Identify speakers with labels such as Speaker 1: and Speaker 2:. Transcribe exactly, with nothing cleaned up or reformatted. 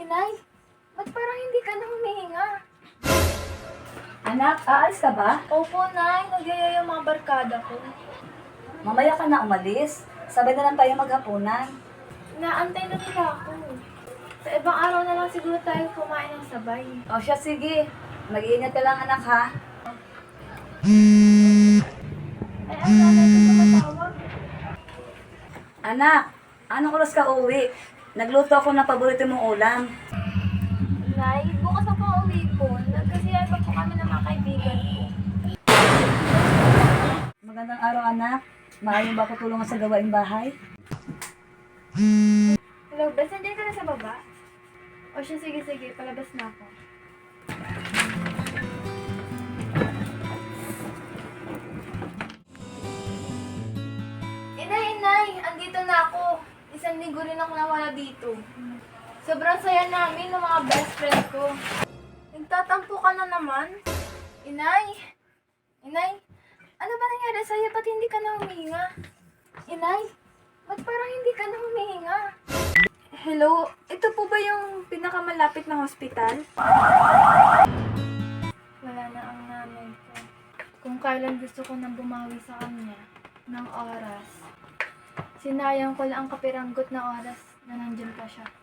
Speaker 1: Inay, ba't parang hindi ka na humihinga?
Speaker 2: Anak, aalis ka ba?
Speaker 1: Opo, Nay. Nagyaya yung mga barkada ko.
Speaker 2: Mamaya ka na umalis. Sabay na lang tayo maghapunan.
Speaker 1: Naantay na nila ako. Sa ibang araw na lang siguro tayo kumain ng sabay.
Speaker 2: O siya, sige. Mag-iingat ka lang, anak, ha?
Speaker 1: Ay, ang nanay ko tumatawag.
Speaker 2: Anak, anong oras ka uwi? Nagluto ako ng paborito mong ulam.
Speaker 1: Nay, bukas na po ang uwi ko. Nagkasiyahan pa po kami ng mga kaibigan ko.
Speaker 2: Magandang araw, anak. Maaari ba ako tulungan sa gawaing bahay?
Speaker 1: Hello, Bes. Nandiyan ka na sa baba? O siya, sige, sige. Palabas na ako. Inay, inay! Andito na ako. Isang linggo rin ako nawala dito. Sobrang saya namin ng mga best friend ko. Nagtatampo ka na naman? Inay! Inay! Ano ba nangyari sa'yo? Ba't hindi ka na humihinga? Inay! Ba't parang hindi ka na humihinga? Hello? Ito po ba yung pinakamalapit na hospital? Wala na ang nanay ko. Kung kailan gusto ko nang bumawi sa kanya ng oras, sinayang ko lang ang kapiranggot na oras na nandyan pa siya.